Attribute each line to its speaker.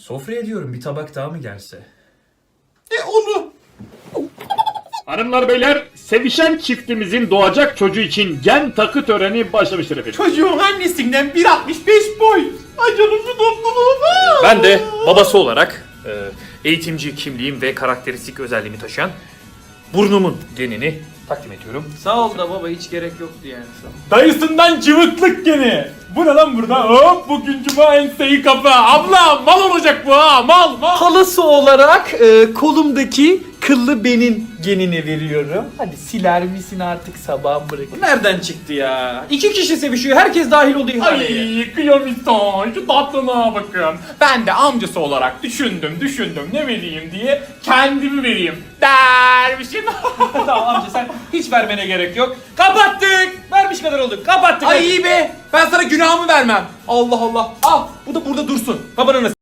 Speaker 1: Sofraya diyorum, bir tabak daha mı gelse?
Speaker 2: Onu.
Speaker 3: Hanımlar beyler, sevişen çiftimizin doğacak çocuğu için gen takı töreni başlamıştır efendim.
Speaker 2: Çocuğun annesinden 1.65 boy. Ay canım şu topluluğuma.
Speaker 1: Ben de babası olarak eğitimci kimliğim ve karakteristik özelliğimi taşıyan burnumun genini takdim ediyorum.
Speaker 4: Sağ ol da baba, hiç gerek yoktu yani.
Speaker 2: Dayısından cıvıklık gene. Bu ne lan burada? Hop bugün cuma enseyi kapı. Abla mal olacak bu ha, mal.
Speaker 4: Halası olarak kolumdaki kıllı benin genini veriyorum. Hadi siler misin artık, sabah bırak. Bu nereden çıktı ya? 2 kişi sevişiyor, herkes dahil oldu ihaleye.
Speaker 2: Ay kıyamiston şu tatlına bakın. Ben de amcası olarak düşündüm ne vereyim diye kendimi vereyim. Dermişim.
Speaker 4: Tamam amca, sen hiç vermene gerek yok. Kapattık. Vermiş kadar olduk. Kapattık.
Speaker 2: Ay iyi be. Ben sana günahımı vermem. Allah Allah. Al bu da burada dursun. Babanın